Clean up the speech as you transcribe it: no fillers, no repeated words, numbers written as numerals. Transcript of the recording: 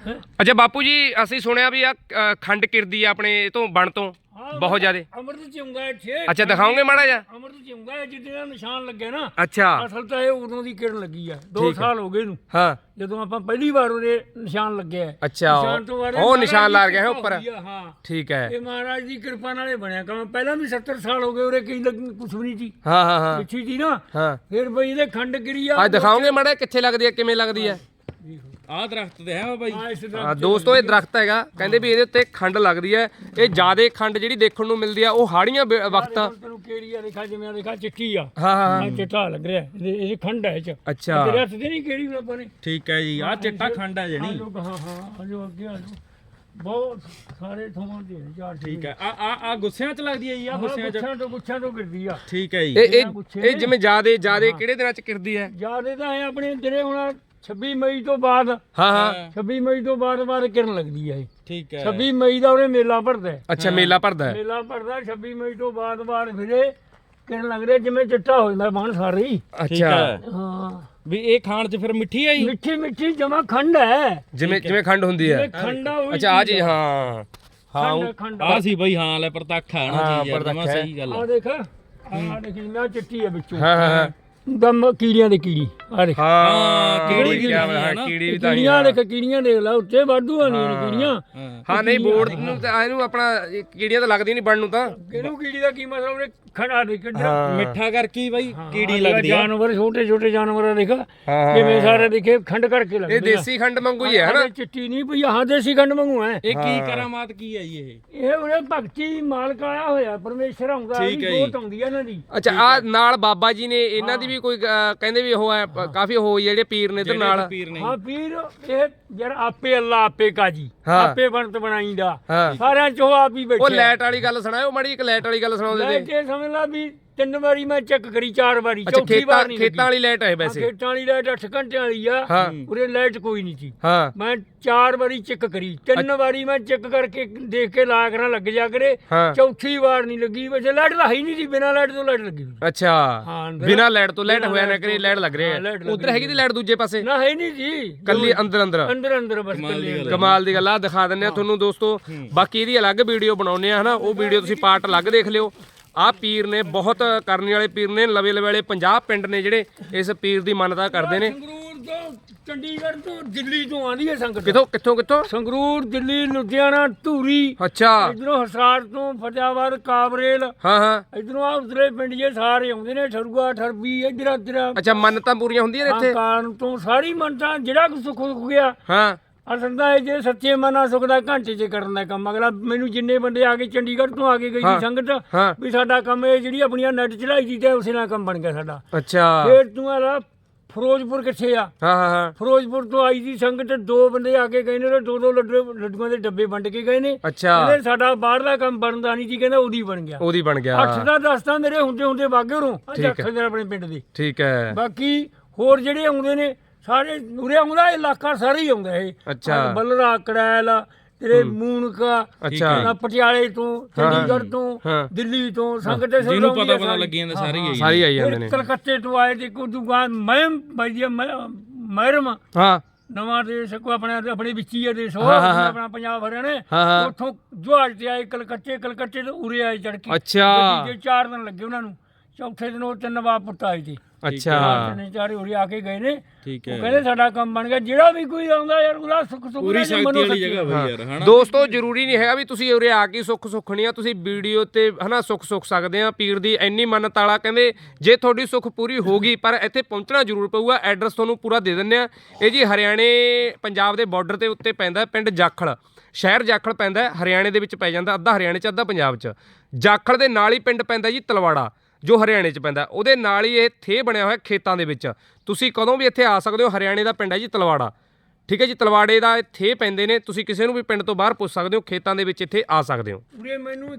ਅੱਛਾ ਬਾਪੂ ਜੀ ਅਸੀਂ ਸੁਣਿਆ ਵੀ ਆ ਖੰਡ ਕਿਰਦੀ ਆ ਆਪਣੇ ਤੋਂ ਬਣ ਤੋਂ ਬਹੁਤ ਜ਼ਿਆਦੇ ਅੰਮ੍ਰਿਤ ਚੁੰਗਾ ਛੇ। ਅੱਛਾ ਦਿਖਾਓਗੇ ਮਾੜਾ ਜਿਹਾ। ਅੰਮ੍ਰਿਤ ਚੁੰਗਾ ਜਿੱਦੇ ਦਾ ਨਿਸ਼ਾਨ ਲੱਗਿਆ ਨਾ। ਅੱਛਾ ਅਸਲ ਤਾਂ ਇਹ ਉਦੋਂ ਦੀ ਕਿਰਨ ਲੱਗੀ ਆ 2 ਸਾਲ ਹੋ ਗਏ ਇਹਨੂੰ। ਹਾਂ ਜਦੋਂ ਆਪਾਂ ਪਹਿਲੀ ਵਾਰ ਉਹਦੇ ਨਿਸ਼ਾਨ ਲੱਗਿਆ। ਅੱਛਾ ਉਹ ਨਿਸ਼ਾਨ ਲਾ ਗਿਆ ਹੈ ਉੱਪਰ। ਹਾਂ ਠੀਕ ਹੈ ਇਹ ਮਹਾਰਾਜ ਦੀ ਕਿਰਪਾ ਨਾਲ ਇਹ ਬਣਿਆ ਕੰਮ। ਪਹਿਲਾਂ ਵੀ 70 ਸਾਲ ਹੋ ਗਏ ਉਰੇ ਕਈ ਕੁਛ ਵੀ ਨਹੀਂ ਸੀ। ਹਾਂ ਹਾਂ ਹਾਂ ਪਿੱਛੀ ਸੀ ਨਾ। ਹਾਂ ਫਿਰ ਬਈ ਇਹਦੇ ਖੰਡ ਗਿਰੀ ਆ। ਅੱਜ ਦਿਖਾਓਗੇ ਮਾੜਾ ਕਿੱਥੇ ਲੱਗਦੀ ਹੈ ਕਿਵੇਂ ਲੱਗਦੀ ਹੈ। ਆਹ ਦਰਖਤ ਤੇ ਹੈ ਬਾਬਾ ਜੀ। ਹਾਂ ਦੋਸਤੋ ਇਹ ਦਰਖਤ ਹੈਗਾ ਕਹਿੰਦੇ ਵੀ ਇਹਦੇ ਉੱਤੇ ਖੰਡ ਲੱਗਦੀ ਹੈ। ਇਹ ਜ਼ਿਆਦੇ ਖੰਡ ਜਿਹੜੀ ਦੇਖਣ ਨੂੰ ਮਿਲਦੀ ਆ ਉਹ ਹਾੜੀਆਂ ਵਕਤ। ਤੈਨੂੰ ਕਿਹੜੀ ਆ ਦੇਖਾ ਜਿਵੇਂ ਦੇਖਾ ਚਿੱਟੀ ਆ। ਹਾਂ ਹਾਂ ਚਿੱਟਾ ਲੱਗ ਰਿਹਾ ਇਹ ਖੰਡ ਹੈ ਇਹ ਚ। ਅੱਛਾ ਤੇਰੇ ਹੱਥ ਤੇ ਨਹੀਂ ਕਿਹੜੀ ਆਪਾਂ ਨੇ। ਠੀਕ ਹੈ ਜੀ ਆਹ ਚਿੱਟਾ ਖੰਡ ਹੈ ਜਣੀ। ਹਾਂ ਹਾਂ ਆਜੋ ਅੱਗੇ ਆਜੋ ਬਹੁਤ ਸਾਰੇ ਥੋਂ ਦੇ ਚਾਰ। ਠੀਕ ਹੈ ਆ ਗੁੱਸਿਆਂ ਚ ਲੱਗਦੀ ਹੈ ਜੀ। ਆ ਗੁੱਸਿਆਂ ਚ ਗੁੱਛਾਂ ਤੋਂ ਗਿਰਦੀ ਆ। ਠੀਕ ਹੈ ਜੀ। ਇਹ ਜਿਵੇਂ ਜ਼ਿਆਦੇ ਕਿਹੜੇ ਦਿਨਾਂ ਚ ਕਿਰਦੀ ਹੈ। ਜਿਆਦੇ ਤਾਂ ਇਹ ਆਪਣੇ ਜਿਹੜੇ ਹੁਣ 26 ਮਈ ਤੋਂ ਬਾਅਦ। ਹਾਂ ਹਾਂ 26 ਮਈ ਤੋਂ ਬਾਅਦ ਕਿਰਨ ਲੱਗਦੀ ਹੈ ਇਹ। ਠੀਕ ਹੈ 26 ਮਈ ਦਾ ਉਹਨੇ ਮੇਲਾ ਭਰਦਾ। ਅੱਛਾ ਮੇਲਾ ਭਰਦਾ ਹੈ। ਮੇਲਾ ਭਰਦਾ 26 ਮਈ ਤੋਂ ਬਾਅਦ ਫਿਰੇ ਕਿਰਨ ਲੱਗ ਰਿਹਾ ਜਿਵੇਂ ਚਿੱਟਾ ਹੋ ਜਾਂਦਾ ਬਣ ਸਾਰੇ ਹੀ। ਅੱਛਾ ਹਾਂ ਵੀ ਇਹ ਖਾਣ ਚ ਫਿਰ ਮਿੱਠੀ ਹੈ ਜੀ। ਮਿੱਠੀ ਮਿੱਠੀ ਜਮਾ ਖੰਡ ਹੈ ਜਿਵੇਂ ਖੰਡ ਹੁੰਦੀ ਹੈ। ਖੰਡਾ ਅੱਛਾ ਆ ਜੀ ਹਾਂ ਹਾਂ ਖੰਡ ਆ ਸੀ ਬਈ ਹਾਂ ਲੈ ਪ੍ਰਤੱਖ ਹੈ ਨਾ ਹਾਂ, ਜੀ ਯਾਰ ਪ੍ਰਤੱਖ ਜਮਾਂ ਹੈ। ਸਹੀ ਗੱਲ ਆ ਆ। ਦੇਖ ਆ ਦੇਖ ਨਾ ਚਿੱਟੀ ਹੈ ਵਿੱਚੋਂ। ਹਾਂ ਹਾਂ ਹਾਂ ਦਮ ਕੀੜੀਆਂ ਦੀ ਕੀੜੀ ਆ ਦੇਖ। ਹਾਂ ਕੀੜੀ ਕੀੜੀ ਵੀ ਹਾਂ ਹੈ ਨਾ। ਕੀੜੀ ਵੀ ਤਾਂ ਹੀ ਕੀੜੀਆਂ ਦੇਖ ਕੀੜੀਆਂ ਦੇਖ ਲੈ ਉੱਤੇ ਵਾਧੂ ਆਣੀਆਂ ਨੇ ਕੀੜੀਆਂ। ਹਾਂ ਨਹੀਂ ਬੋਰਡ ਨੂੰ ਤਾਂ ਇਹਨੂੰ ਆਪਣਾ ਕੀੜੀਆਂ ਤਾਂ ਲੱਗਦੀ ਨਹੀਂ ਬਣਨ ਨੂੰ ਤਾਂ। ਕਿਹਨੂੰ ਕੀੜੀ ਦਾ ਕੀ ਮਤਲਬ ਉਹਨੇ ਖੜਾ ਦੇ ਕੱਢਿਆ। ਮਿੱਠਾ ਕਰਕੇ ਹੀ ਬਾਈ ਕੀੜੀ ਲੱਗਦੀ ਆ। ਜਾਨਵਰ ਛੋਟੇ ਛੋਟੇ ਜਾਨਵਰ ਦੇਖ ਕਿਵੇਂ ਸਾਰੇ ਦੇਖੇ ਖੰਡ ਕਰਕੇ ਲੱਗਦੇ। ਇਹ ਦੇਸੀ ਖੰਡ ਵਾਂਗੂ ਹੀ ਹੈ ਹਨਾ। ਚਿੱਟੀ ਨਹੀਂ ਪਈ ਹਾਂ ਦੇਸੀ ਖੰਡ ਵਾਂਗੂ ਹੈ। ਇਹ ਕੀ ਕਰਾਮਾਤ ਕੀ ਹੈ ਜੀ ਇਹ। ਇਹ ਉਹਨੇ ਭਗਤੀ ਮਾਲਕ ਆਇਆ ਹੋਇਆ ਪਰਮੇਸ਼ਰ ਆਉਂਦਾ ਠੀਕ ਹੈ ਜੋਤ ਆਉਂਦੀ ਹੈ ਇਹਨਾਂ ਦੀ। ਅੱਛਾ ਆ ਨਾਲ ਬਾਬਾ ਜੀ ਨੇ ਇਹਨਾਂ ਦੀ ਵੀ ਕੋਈ ਕਹਿੰਦੇ ਵੀ ਉਹ ਹੈ ਕਾਫੀ ਉਹ ਜਿਹੜੇ ਪੀਰ ਨੇ ਇਧਰ ਨਾਲ। ਪੀਰ ਨੇ ਹਾਂ ਪੀਰ ਇਹ ਯਾਰ ਆਪੇ ਅੱਲਾ ਆਪੇ ਕਾਜੀ ਆਪੇ ਬਣਤ ਬਣਾਈਂਦਾ ਹਾਂ ਸਾਰਿਆਂ ਚੋਂ ਆਪ ਹੀ ਉਹ ਬੈਠੇ। ਲਾਈਟ ਵਾਲੀ ਗੱਲ ਸੁਣਾਓ ਮਾੜੀ ਇੱਕ ਲਾਈਟ ਵਾਲੀ ਗੱਲ ਸੁਣਾਉਂਦੇ ਲੈ ਤੇ। ਕੇ ਸਮਝ ਲਾ ਵੀ 3 ਵਾਰੀ ਮੈਂ ਚੈੱਕ ਕਰੀ 4 ਵਾਰੀ ਚੌਥੀ ਵਾਰ ਨਹੀਂ ਖੇਤਾਂ ਵਾਲੀ ਲਾਈਟ ਹੈ ਲੱਗੀ। ਵੈਸੇ। ਖੇਤਾਂ ਵਾਲੀ ਲਾਈਟ 8 ਘੰਟਿਆਂ ਵਾਲੀ ਆ। ਹਾਂ ਉਰੇ ਲਾਈਟ ਕੋਈ ਨਹੀਂ ਸੀ। ਹਾਂ ਮੈਂ 4 ਵਾਰੀ ਚੈੱਕ ਕਰੀ 3 ਵਾਰੀ ਮੈਂ ਚੈੱਕ ਕਰਕੇ ਦੇਖ ਕੇ ਲਾ ਕਰਾਂ ਲੱਗ ਜਾ ਕਰੇ। ਹਾਂ ਚੌਥੀ ਵਾਰ ਨਹੀਂ ਲੱਗੀ ਵੈਸੇ ਲਾਈਟ ਤਾਂ ਹੈ ਹੀ ਨਹੀਂ ਸੀ ਬਿਨਾਂ ਲਾਈਟ ਤੋਂ ਲਾਈਟ ਲੱਗੀ। ਅੱਛਾ ਹਾਂ ਬਿਨਾਂ ਲਾਈਟ ਤੋਂ ਲਾਈਟ ਹੋਇਆ ਨਾ ਕਰੇ ਲਾਈਟ ਲੱਗ ਰਹੀ ਹੈ। ਲਾਈਟ ਲੱਗ ਉਧਰ ਹੈਗੀ ਦੀ ਲਾਈਟ ਦੂਜੇ ਪਾਸੇ ਨਾ ਹੈ ਨਹੀਂ ਜੀ ਕੱਲੀ ਅੰਦਰ ਅੰਦਰ। ਅੰਦਰ ਬਸ ਕੱਲੀ ਕਮਾਲ ਦੀ ਗੱਲ ਆ ਦਿਖਾ ਦਿੰਨੇ ਆ ਤੁਹਾਨੂੰ ਦੋਸਤੋ। ਬਾਕੀ ਇਹਦੀ ਅਲੱਗ ਵੀਡੀਓ ਬਣਾਉਨੇ ਆ ਹਨਾ ਉਹ ਵੀਡੀਓ ਤੁਸੀਂ ਪਾਰਟ ਅਲੱਗ ਦੇਖ ਲਿਓ। ਆਹ ਪੀਰ ਨੇ ਬਹੁਤ ਕਰਨੇ ਵਾਲੇ ਪੀਰ ਨੇ ਲਵੇ ਲਵੇਲੇ 50 ਪਿੰਡ ਨੇ ਜਿਹੜੇ ਇਸ ਪੀਰ ਦੀ ਮੰਨਤਾ ਕਰਦੇ ਨੇ। ਸੰਗਰੂਰ ਤੋਂ ਚੰਡੀਗੜ੍ਹ ਤੋਂ ਦਿੱਲੀ ਤੋਂ ਆਂਦੀ ਹੈ ਸੰਗਤ। ਕਿੱਥੋਂ ਸੰਗਰੂਰ ਦਿੱਲੀ ਲੁਧਿਆਣਾ ਧੂਰੀ। ਅੱਛਾ ਇਧਰੋਂ ਹਸਾਰ ਤੋਂ ਫਤਿਆਬਾਦ ਕਾਬਰੇਲ। ਹਾਂ ਹਾਂ ਇਧਰੋਂ ਆ ਉਤਰੇ ਪਿੰਡ ਜੇ ਸਾਰੇ ਆਉਂਦੇ ਨੇ ਠਰੂਆ ਠਰਬੀ ਇਧਰ ਅੱਛਾ ਮੰਨਤਾਂ ਪੂਰੀਆਂ ਹੁੰਦੀਆਂ ਨੇ ਇੱਥੇ। ਕਾਰਨ ਤੋਂ ਸਾਰੀ ਮੰਨਤਾਂ ਜਿਹੜਾ ਕੁ ਸੁੱਖ ਹੋ ਗਿਆ। ਹਾਂ ਅਸਲ ਦਾ ਇਹ ਜੇ ਸੱਚੇ ਮਨਾਂ ਸੁੱਖ ਦਾ ਘੰਟੇ 'ਚ ਕਰਨ ਦਾ ਕੰਮ। ਅਗਲਾ ਮੈਨੂੰ ਜਿੰਨੇ ਬੰਦੇ ਆ ਕੇ ਚੰਡੀਗੜ੍ਹ ਤੋਂ ਆ ਕੇ ਗਈ ਸੀ ਸੰਗਤ ਹਾਂ ਵੀ ਸਾਡਾ ਕੰਮ ਇਹ ਜਿਹੜੀ ਆਪਣੀਆਂ ਨੈਟ ਚੜਾਈ ਦੀ ਤੇ ਉਸੇ ਨਾਲ ਕੰਮ ਬਣ ਗਿਆ ਸਾਡਾ। ਅੱਛਾ ਫੇਰ ਤੂੰ ਆ ਫਿਰੋਜ਼ਪੁਰ ਕਿੱਥੇ ਆ। ਹਾਂ ਹਾਂ ਹਾਂ ਫਿਰੋਜ਼ਪੁਰ ਤੋਂ ਆਈ ਸੀ ਸੰਗਤ 2 ਬੰਦੇ ਆ ਕੇ ਗਏ ਨੇ ਤੇ 2 ਲੱਡੂਆਂ ਦੇ ਡੱਬੇ ਵੰਡ ਕੇ ਗਏ ਨੇ। ਅੱਛਾ ਕਹਿੰਦੇ ਸਾਡਾ ਬਾਹਰਲਾ ਕੰਮ ਬਣਦਾ ਨਹੀਂ ਸੀ ਕਹਿੰਦਾ ਉਹਦੀ ਬਣ ਗਿਆ। ਉਹਦੀ ਬਣ ਗਿਆ 8 ਦਾ 10 ਤਾਂ ਮੇਰੇ ਹੁੰਦੇ ਵਾਗੇ ਉਰੋਂ ਅੱਖਾਂ ਦੇ ਆਪਣੇ ਪਿੰਡ ਦੇ। ਠੀਕ ਹੈ ਬਾਕੀ ਹੋਰ ਜਿਹੜੇ ਆਉਂਦੇ ਨੇ ਸਾਰੇ ਉਰੇ ਆਉਂਦਾ ਇਲਾਕਾ ਸਾਰਾ ਹੀ ਆਉਂਦਾ ਇਹ। ਅੱਛਾ ਬੱਲਰਾ ਕੜੈਲ ਤੇਰੇ ਮੂਨਕਾ ਅੱਛਾ ਪਟਿਆਲੇ ਤੋਂ ਚੰਡੀਗੜ੍ਹ ਤੋਂ ਦਿੱਲੀ ਤੋਂ ਸੰਗਤ ਜਿਹਨੂੰ ਪਤਾ ਲੱਗੀ ਜਾਂਦਾ ਸਾਰੀ ਆਈ ਜਾਂਦੇ ਨੇ। ਕਲਕੱਤੇ ਤੋਂ ਆਏ ਤੇ ਕੋਈ ਦੁਕਾਨ ਮਹਿਰਮ ਹਾਂ ਨਵਾਂ ਦੇਸ਼ ਕੋ ਆਪਣੇ ਵਿੱਚ ਹੀ ਦੇਸ਼ ਆਪਣਾ ਪੰਜਾਬ ਹਰਿਆਣਾ ਉੱਥੋਂ ਜਹਾਜ਼ ਤੇ ਆਏ ਕਲਕੱਤੇ ਤੋਂ ਉਰੇ ਆਏ ਚੜ ਕੇ। ਅੱਛਾ 4 ਦਿਨ ਲੱਗੇ ਉਹਨਾਂ ਨੂੰ। ਚੌਥੇ ਦਿਨ ਉਹ 3 ਨਵਾਬ ਪੁੱਤ ਆਏ ਤੇ। ਅੱਛਾ 3-4 ਉਰੇ ਆ ਕੇ ਗਏ ਨੇ। ਠੀਕ ਉਹ ਕਹਿੰਦੇ ਸਾਡਾ ਕੰਮ ਬਣ ਗਿਆ। ਜਿਹੜਾ ਵੀ ਕੋਈ ਆਉਂਦਾ ਯਾਰ ਉਹਦਾ ਸੁੱਖ ਪੂਰੀ ਸ਼ਕਤੀ ਵਾਲੀ ਜਗ੍ਹਾ ਬਈ ਯਾਰ ਹਨਾ। ਦੋਸਤੋ ਜ਼ਰੂਰੀ ਨਹੀਂ ਹੈਗਾ ਵੀ ਤੁਸੀਂ ਉਰੇ ਆ ਕੇ ਸੁੱਖ ਸੁੱਖਣੀ ਆ। ਤੁਸੀਂ ਵੀਡੀਓ ਤੇ ਹਨਾ ਸੁੱਖ ਸਕਦੇ ਆ। ਪੀਰ ਦੀ ਇੰਨੀ ਮੰਨਤ ਵਾਲਾ ਕਹਿੰਦੇ ਜੇ ਤੁਹਾਡੀ ਸੁੱਖ ਪੂਰੀ ਹੋ ਗਈ ਪਰ ਇੱਥੇ ਪਹੁੰਚਣਾ ਜ਼ਰੂਰ ਪਊਗਾ। ਐਡਰੈਸ ਤੁਹਾਨੂੰ ਪੂਰਾ ਦੇ ਦਿੰਦੇ ਆ। ਇਹ ਜੀ ਹਰਿਆਣੇ ਪੰਜਾਬ ਦੇ ਬਾਰਡਰ ਤੇ ਉੱਤੇ ਪੈਂਦਾ ਪਿੰਡ ਜਾਖਲ। ਸ਼ਹਿਰ ਜਾਖਲ ਪੈਂਦਾ ਹਰਿਆਣੇ ਦੇ ਵਿੱਚ ਪੈ ਜਾਂਦਾ। ਅੱਧਾ ਹਰਿਆਣੇ 'ਚ ਅੱਧਾ ਪੰਜਾਬ 'ਚ। ਜਾਖਲ ਦੇ ਨਾਲ ਹੀ ਪਿੰਡ ਪੈਂਦਾ ਜੀ ਤਲਵਾੜਾ ਜੋ ਹਰਿਆਣੇ 'ਚ ਪੈਂਦਾ। ਉਹਦੇ ਨਾਲ ਹੀ ਇਹ ਥੇ ਬਣਿਆ ਹੋਇਆ ਖੇਤਾਂ ਦੇ ਵਿੱਚ। ਤੁਸੀਂ ਕਦੋਂ ਵੀ ਇੱਥੇ ਆ ਸਕਦੇ ਹੋ। ਹਰਿਆਣੇ ਦਾ ਪਿੰਡ ਹੈ ਜੀ ਤਲਵਾੜਾ। ਠੀਕ ਹੈ ਜੀ ਤਲਵਾੜੇ ਦਾ ਥੇ ਪੈਂਦੇ ਨੇ। ਤੁਸੀਂ ਕਿਸੇ ਨੂੰ ਵੀ ਪਿੰਡ ਤੋਂ ਬਾਹਰ ਪੁੱਛ ਸਕਦੇ ਹੋ। ਖੇਤਾਂ ਦੇ ਵਿੱਚ ਇੱਥੇ ਆ ਸਕਦੇ ਹੋ। ਉਰੇ ਮੈਨੂੰ